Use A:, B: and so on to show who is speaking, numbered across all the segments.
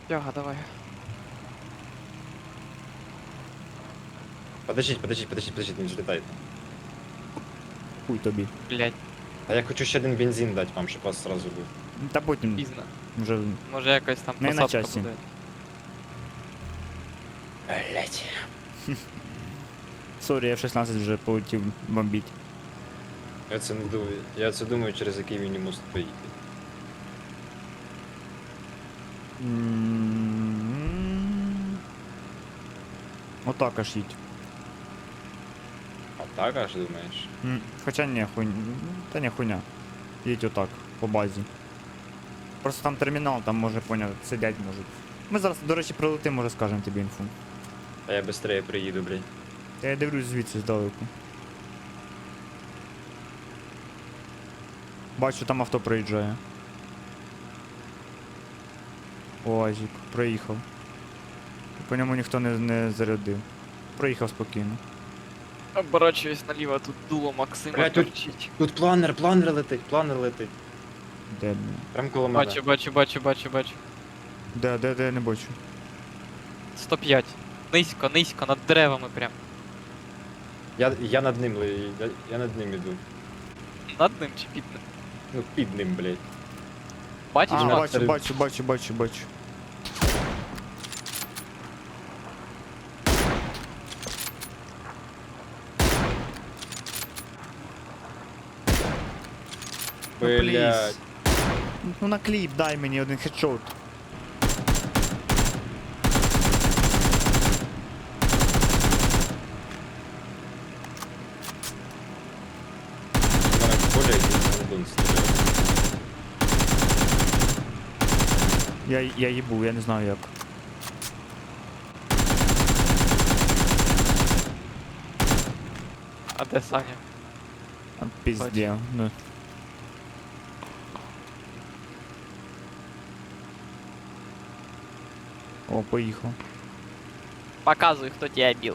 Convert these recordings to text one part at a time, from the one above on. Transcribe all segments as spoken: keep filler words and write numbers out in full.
A: Яга, давай.
B: Подождіть, подождіть, подождіть, подождіть, не взлітайте.
C: Хуй тобі.
A: Блять,
B: А я хочу ще один бензин дати вам, щоб вас сразу був.
C: Та потім
A: пізно.
C: вже.
A: Може якась там
C: Не на
A: посадка
C: часі.
A: буде.
B: Блять.
C: Сорі, еф шістнадцять вже полетів бомбіть.
B: Я це не думаю. Я це думаю, через який мені мост поїхати.
C: М. Отак аж їдь.
B: А так аж думаєш?
C: М, Хоча ні, хуйня. Та не хуйня. Їдь отак, по базі. Просто там термінал, там може поняти, сидять можуть. Ми зараз, до речі, прилетимо, може скажемо тобі інфу.
B: А я швидше приїду, блядь.
C: Я дивлюсь звідси здалеку. Бачу, там авто проїжджає. УАЗик, проїхав. По ньому ніхто не, не зарядив. Проїхав спокійно.
A: Оборачуюсь наліво, тут дуло Максима
B: Блядь, тут-
A: торчить.
B: Тут планер, планер летить, планер летить.
C: Де, блін?
B: Прям коло мене.
A: Бачу, бачу, бачу, бачу, бачу.
C: Де, де, де, не бачу.
A: сто п'ять. Низько, низько, над деревами прям.
B: Я, я над ним, ли- я, я над ним іду.
A: Над ним чи під ним?
B: Ну, під ним, блядь.
A: Бачиш,
C: А,
A: Макс?
C: бачу, бачу, бачу, бачу, бачу. Ну,
B: Блядь.
C: пліз. Ну на кліп дай мені один хедшот.
B: У мене в полі якийсь гандон стріляє.
C: Я, я їбу, я не знаю як.
A: А де Саня?
C: А, Пізде. Ну. О, поїхав.
A: Показуй, хто тебе бил.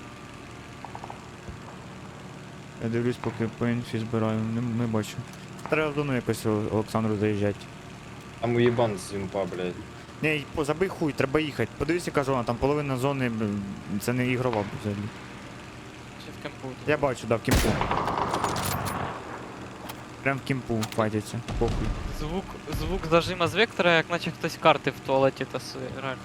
C: Я дивлюсь, поки по інфі збираю, не, не бачу. Треба в зону якось О- Олександру заїжджати.
B: Там уєбан з юмпа, блядь.
C: Ні, по- забий хуй, треба їхати. Подивись, яка зона, там половина зони, блін, це не ігрова взагалі.
A: Чи в кемпу?
C: Я бачу, да, в кімпу. Прям в кімпу файтяться, похуй.
A: Звук, звук зажима з вектора, як наче хтось карти в туалеті тасує, реально.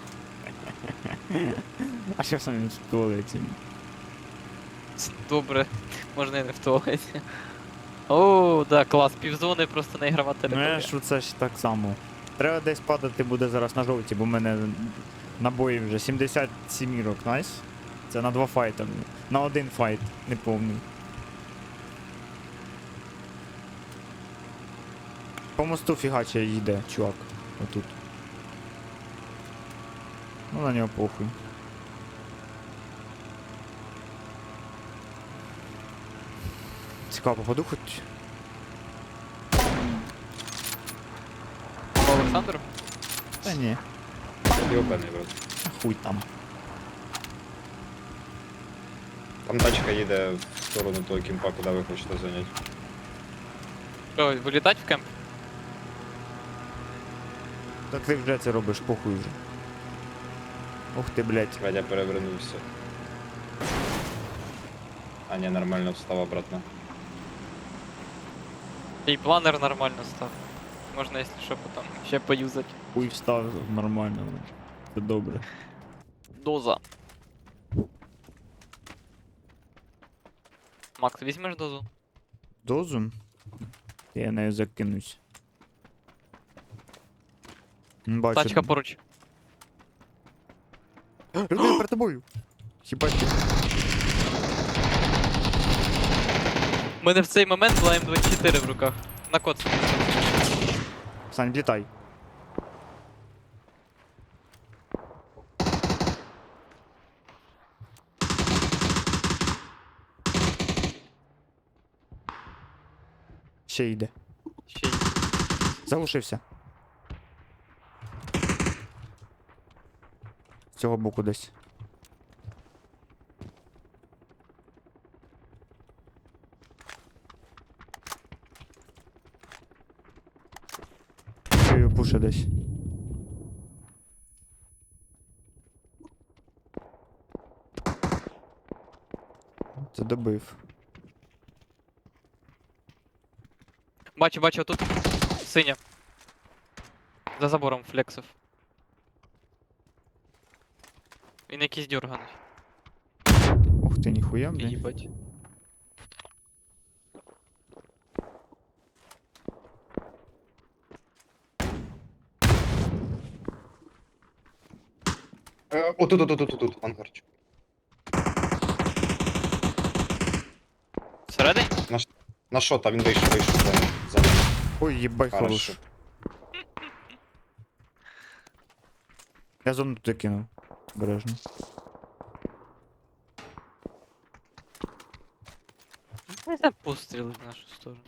C: А що саме в туалеті?
A: Добре, можна і не в туалеті. О, да, клас, півзони просто не ігрова
C: Ну я
A: територія.
C: ж це ж так само. Треба десь падати буде зараз на жовті, бо в мене набої вже сімдесят сімірок, найс. Це на два файта. На один файт, неповний. По мосту фігаче йде, чувак. Отут. Ну на нього похуй. Цікаво, походу хоч.
A: Олександр?
C: Та ні,
B: Йобаний, брат.
C: хуй там.
B: Там тачка їде в сторону того кімпа, куди ви хочете зайняти.
A: Що, вилітать в кемп?
C: Так ти вже це робиш, похуй вже. Ух ти, блядь.
B: Вадя перевернувся. А, ні, нормально встав обратно.
A: І планер нормально став. Можна, якщо що, потім ще поюзати.
C: Хуй встав нормально. Це добре.
A: Доза. Макс, візьмеш дозу?
C: Дозу? Я нею закинусь. М, Бачу.
A: Тачка поруч.
C: Людина перед тобою. Хіба ти?
A: У мене в цей момент була ем двадцять чотири в руках. На код.
C: Сань, літай. Ще йде.
A: Ще й.
C: Заглушився. З цього боку десь. Чую, пуша десь. Це добив.
A: Бачу, бачу, тут синя. За забором флексив. Він якийсь дюрганий.
C: Ух ти, ніхуя, блядь.
A: Їбать.
B: Е, Отут, отут, отут, отут, ангарчик.
A: Всередині?
B: На що там він вийшов, вийшов за ним. За ним.
C: Ой, їбай хорош.
B: Хорошо.
C: Я зону туди кинув. Бережно.
A: Це постріли в нашу сторону.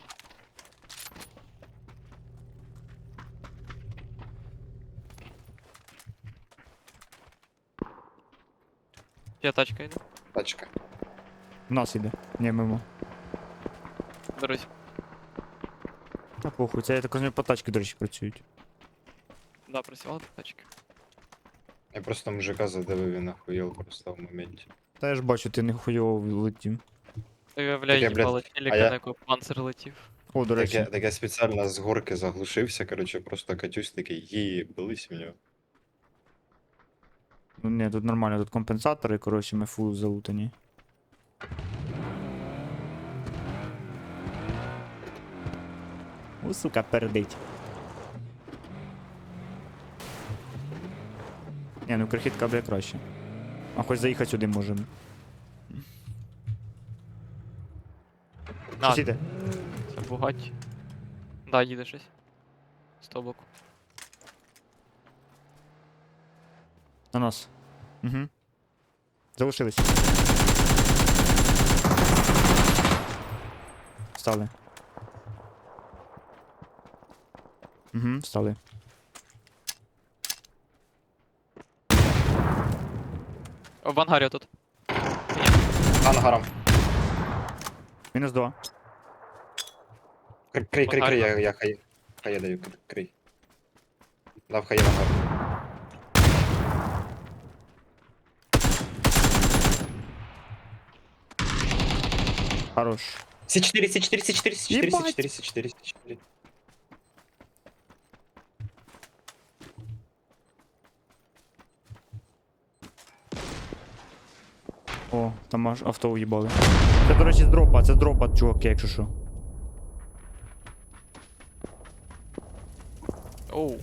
A: Я тачка йду.
B: Тачка.
C: В нас іде. Ні, мимо.
A: Берусь.
C: Та похуй, це я так розумію, по тачки, до речі, працюють.
A: Да, працювала тачка.
B: Я просто мужика задавив, він охуєл просто в моменті.
C: Та я ж бачу, ти не хуйово летів.
A: Виявляю,
B: Таке, блядь,
A: їбало челіка,
B: а я-
A: на якого панцир летів.
C: О, до
B: Так я,
C: речі.
B: так я спеціально з горки заглушився, короче, просто катюсь такий, їбались в нього.
C: Ну ні, тут нормально, тут компенсатори, коротше, ми фул залутані. О, сука, пердить. Ні, ну крихітка буде краще. А хоч заїхати сюди можемо.
A: А,
C: Щось іде.
A: це Бугаті. Да, їде щось. З того боку.
C: На нас. Угу. Залишились. Встали. Угу, встали.
A: О, в ангарі тут.
B: Ангаром.
C: Мінус два.
B: Крий, крий, крий, крий, я, я хай, хай я даю, крий, крий. Дав хай я ангар.
C: Хорош.
B: Сі чотири, Сі чотири, Сі чотири, Сі чотири, Сі
C: Єбать!
B: чотири, Сі чотири, Сі чотири.
C: О, там аж авто уїбали. Це, до речі, з дропа, це з дропа, чуваки, якщо що.
A: Оу.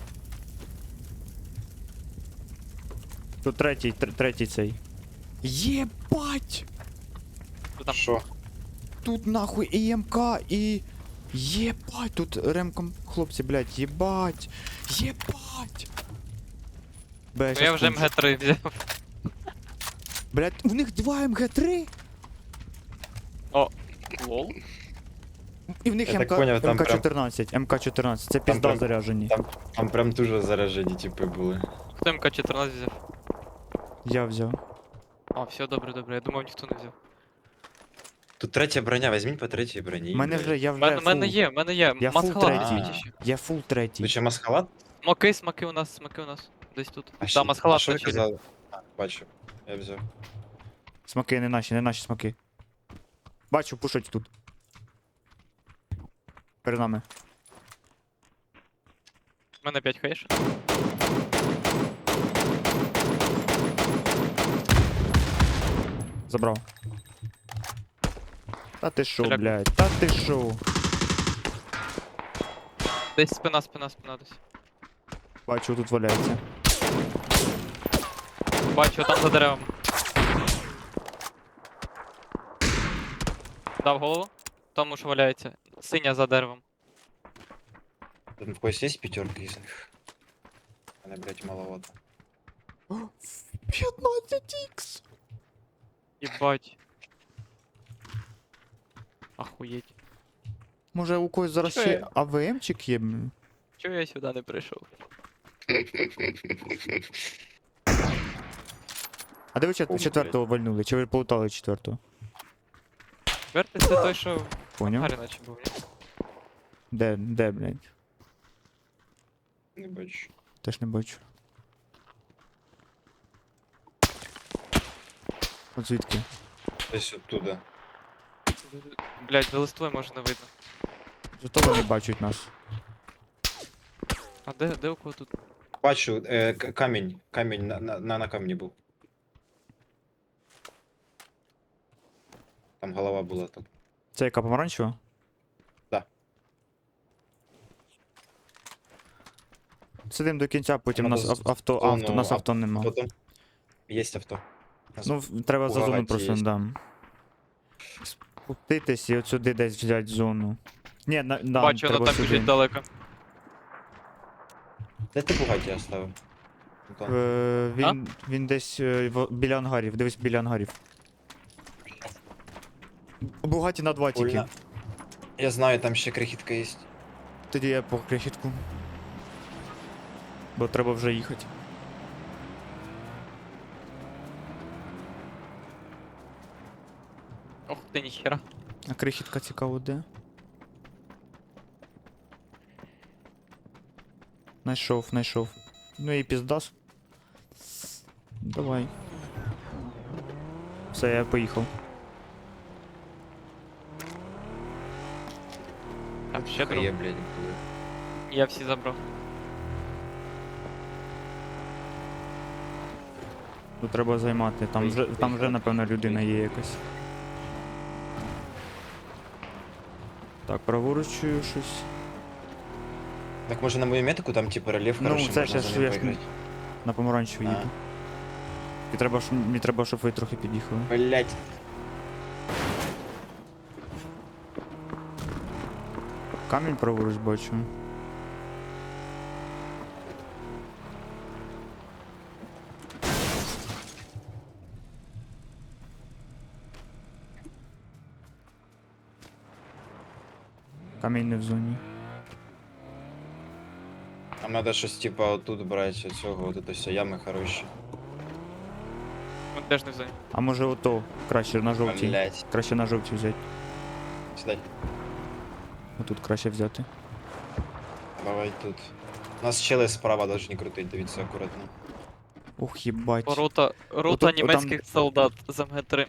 C: Тут третій, тр- третій цей. Єбать!
A: Що там?
B: Що?
C: Тут нахуй і ЕМК, і... Єбать, тут ремком, хлопці, блядь, єбать! Єбать! Бля,
A: Ну,
C: щас
A: я вже
C: кончу.
A: ем ге три взяв.
C: Блядь, у них два ем ге три?
A: О, лол.
C: І в них
B: Я так
C: МК,
B: поняв, там
C: ем ка
B: прям-
C: чотирнадцять, ем ка чотирнадцять, це пізда
B: прям-
C: заряжені.
B: Там, там прям дуже заражені типи були.
A: Хто ем ка чотирнадцять взяв?
C: Я взяв.
A: А, все, добре, добре. Я думав, ніхто не взяв.
B: Тут третя броня, візьміть по третій броні.
C: У мене
B: блядь.
C: вже, я
A: У
C: вже
A: мене, в мене
C: фул.
A: є, в мене є.
C: Я фул
A: Масхалат
B: третій.
A: візьміть ще.
C: Я фул
B: Ти
C: третій.
B: ще масхалат?
A: Смоки, смоки у нас, смоки у нас. Десь тут.
B: А
A: Да,
B: ще- а
A: масхалат
B: що ви
A: начали.
B: казали? А, бачу, я взяв.
C: Смоки не наші, не наші смоки. Бачу, пушать тут. Перед нами.
A: У мене п'ять хаєш.
C: Забрав. Та ти шо,
A: Стріляк.
C: блядь, та ти шо?
A: Десь спина, спина, спина десь.
C: Бачу, тут валяється.
A: Бачу, там за деревом. Дав голову. Тому що валяється. Синя за деревом.
B: Тут в когось є п'ятерки із них? Мене, блядь, маловато.
C: п'ятнадцять ікс!
A: Єбать. Ахуєть.
C: Може у когось зараз
A: Що
C: ще
A: я?
C: АВМчик є? блін?
A: Чого я сюди не прийшов?
C: А де ви чет-
B: Кому,
C: четвертого вальнули? Чи ви полутали четвертого?
A: Четвертий це той, що в
C: Поняв?
A: ангарі наче був. ні?
C: Де, де, блядь?
B: Не бачу.
C: Теж не бачу. От звідки?
B: Десь оттуда.
A: Блять, за листвою може не видно.
C: Зато вони бачать нас.
A: А де, де у кого тут?
B: Бачу, е, к- камінь. Камінь на, на, на, на камні був. Там голова була так.
C: Це яка помаранчева?
B: Да.
C: Сидим до кінця, потім
B: Надо
C: нас ав- авто,
B: зону
C: авто, нас
B: ав-
C: авто нема.
B: Потім є авто. Нас
C: Ну, в- треба за зону
B: Бугаті
C: просто,
B: є.
C: да. Спуститись і от сюди десь взяти зону. Ні, на, да,
A: Бачу, воно
C: треба
A: там
C: сюди.
A: біжить далеко.
B: Де ти Бугаті оставив? Антон.
C: Е, він, він десь е, в- біля ангарів, дивись біля ангарів. Бугаті на два тільки.
B: Больно. Я знаю, там ще крихітка є.
C: Тоді я по крихітку. Бо треба вже їхати.
A: Ох ти ніхера.
C: А крихітка цікаво де? Найшов, найшов. Ну і піздас. Давай. Все, я поїхав.
A: Там ще друг.
B: Є, блядь, коли.
A: Я всі забрав.
C: Тут треба займати. Там вже, там вже напевно, людина є якась. Так, праворуч чую щось.
B: Так може на мою метику там типу рельєф
C: Ну,
B: хороший,
C: це
B: можна
C: ще
B: за
C: ж
B: ним
C: я ж
B: поіграти.
C: На помаранчеву
B: А.
C: їду. І треба, щоб, мені треба, щоб ви трохи під'їхали.
B: Блять.
C: Камінь праворуч бачу. Камінь не в зоні.
B: Нам надо щось типа отут брати, оцього, от це все, ями хороші.
A: Він теж не в зоні.
C: А може ото краще на жовтій.
B: Блять.
C: Краще на жовтій взяти.
B: Сідай.
C: Отут краще взяти.
B: Давай тут. Нас чели справа должны крутить, дивіться акуратно.
C: Ух, їбать.
A: Рота, рота
C: Отут-
A: німецьких
C: отам-
A: солдат з ем ге три.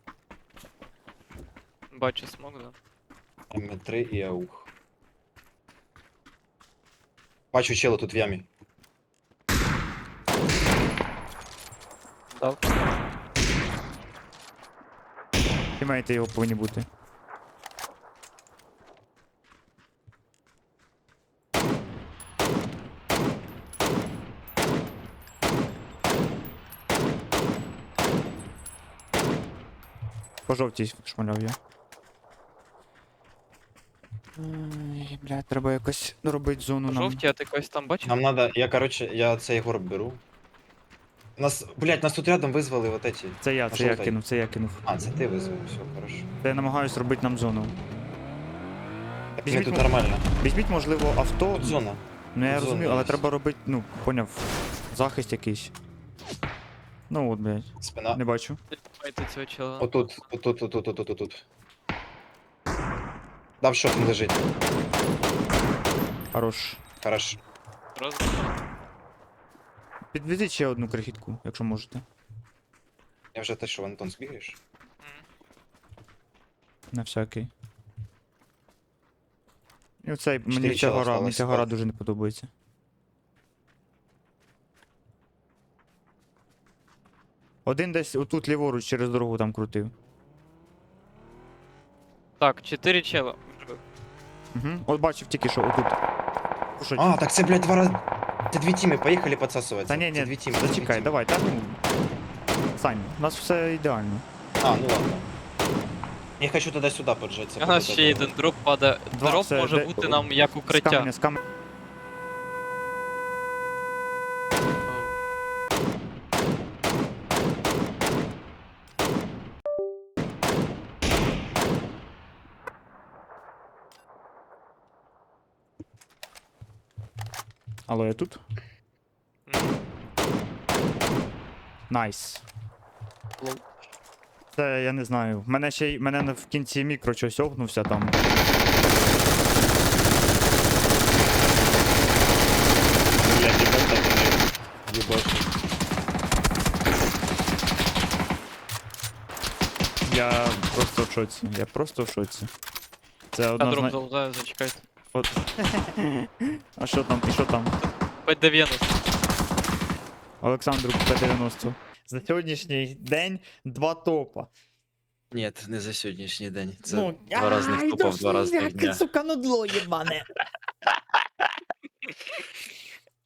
A: Бачу смок, да.
B: ем три і аух. Бачу чела тут в ямі.
A: Дав.
C: Тімейти його повинні бути. По жовтій шмаляв я. Ай, бля, треба якось робити зону нам.
A: Жовті, а ти когось там бачив?
B: Нам надо, я короче, я цей горб беру. Нас, блять, нас тут рядом визвали вот эти.
C: Це я, це я
B: Жовтий.
C: кинув, це я кинув.
B: А, це ти визвав, все, хорошо.
C: Це я намагаюсь робити нам зону.
B: Так ми
C: Візьміть
B: тут
C: мо-
B: нормально.
C: Візьміть, можливо, авто.
B: Тут зона.
C: Ну я
B: тут
C: розумію,
B: зона
C: але
B: є.
C: треба робити, ну, поняв, захист якийсь. Ну от, блядь,
B: Спина.
C: не бачу.
A: Майте цього чела.
B: Отут, отут, отут, отут, отут, отут. Дав що там лежить.
C: Хорош.
B: Хорошо.
A: Роз...
C: Підвезіть ще одну крихітку, якщо можете.
B: Я вже те, що в Антон збігаєш.
A: М.
C: На всякий. І оцей, мені
B: Чотири
C: ця
B: чола
C: гора, мені
B: осталось,
C: ця гора
B: так.
C: дуже не подобається. Один десь отут ліворуч через дорогу там крутив.
A: Так, чотири чела.
C: Угу. От бачив тільки що отут. Кушать.
B: А, так це, блядь, два рази. Це дві тіми, поїхали підсасувати.
C: Та ні,
B: Це дві
C: ні,
B: тіми, це дві
C: зачекай,
B: тіми.
C: давай, та ну. Сань, у нас все ідеально.
B: А, ну ладно. Я хочу тоді сюди поджатися.
A: У нас ще один дроп падає.
C: Два,
A: Дроп
C: це
A: може
C: де-
A: бути нам як
C: З
A: укриття.
C: каменя, з каменя. Алло, я тут?
A: М.
C: Найс.
A: Лол.
C: Це я не знаю. Мене ще й мене на- в кінці мікро щось огнувся там.
B: Блядь, їбать, так не їбать.
C: Я просто в шоці. Я просто в шоці. Це
A: Я дром
C: однозначно.
A: залутаю, зачекайте.
C: От... А що там? І що там?
A: п'ять дев'яносто.
C: Олександру П дев'яносто. За сьогоднішній день два топа.
B: Ні, не за сьогоднішній день. Це
C: Ну,
B: два різних
C: ай,
B: топа в
C: да
B: два різних
C: яке,
B: дня.
C: сука, нудло єбане.